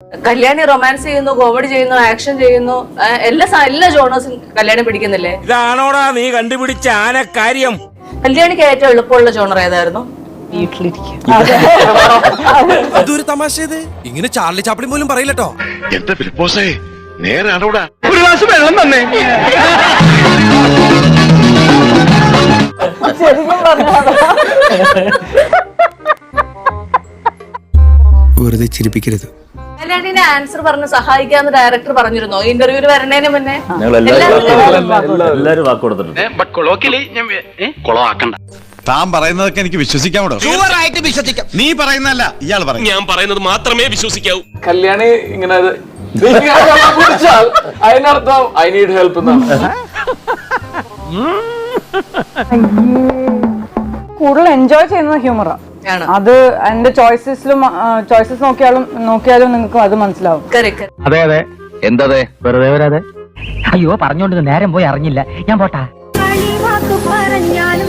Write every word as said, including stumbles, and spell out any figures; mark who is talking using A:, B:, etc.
A: Kalyani romance ചെയ്യുന്നു, comedy ചെയ്യുന്നു, action ചെയ്യുന്നു, എല്ലാ എല്ലാ ജോണേഴ്സും കല്യാണി പിടിക്കുന്നില്ലേ?
B: ഇതാണോടാ നീ കണ്ടുപിടിച്ച ആനക്കാര്യം?
A: കല്യാണിക്ക് ഏറ്റവും എളുപ്പമുള്ള ജോണർ ഏതായിരുന്നു?
C: അതൊരു തമാശ. ഇങ്ങനെ ചാർലി ചാപ്ലിൻ പോലും പറയില്ലട്ടോ.
D: എന്താ ഫിലിപ്പോസേ, നേരാണോടാ?
B: ഒരു ഗ്ലാസ് വെള്ളം തന്നെ.
C: വെറുതെ ചിരിപ്പിക്കരുത്.
A: കല്യാണിനെ ആൻസർ പറഞ്ഞ് സഹായിക്കാന്ന് ഡയറക്ടർ പറഞ്ഞിരുന്നോ ഇന്റർവ്യൂല് വരണേന് മുന്നേ?
E: എല്ലാരും വാക്ക് കൊടുത്തിട്ടുണ്ട്.
D: താൻ പറയുന്നതൊക്കെ എനിക്ക് വിശ്വസിക്കാമോ?
C: വിശ്വസിക്കാം.
D: നീ പറയുന്നല്ല, ഇയാൾ പറയും.
B: ഞാൻ പറയുന്നത് മാത്രമേ വിശ്വസിക്കാവൂ.
F: കല്യാണി ഇങ്ങനെ അതിനർത്ഥം ഐ നീഡ് ഹെൽപ്പ് എന്നാണ്.
G: കൂടുതൽ എൻജോയ് ചെയ്യുന്ന ഹ്യൂമറാ അത്. എന്റെ ചോയ്സസിലും ചോയ്സസ് നോക്കിയാലും നോക്കിയാലും നിങ്ങൾക്ക് അത് മനസ്സിലാവും.
E: അതെ അതെ. എന്തതെ വെറുതെ വരാതെ.
H: അയ്യോ പറഞ്ഞോണ്ട് നേരം പോയി അറിഞ്ഞില്ല. ഞാൻ പോട്ടാ.
I: പറഞ്ഞാലും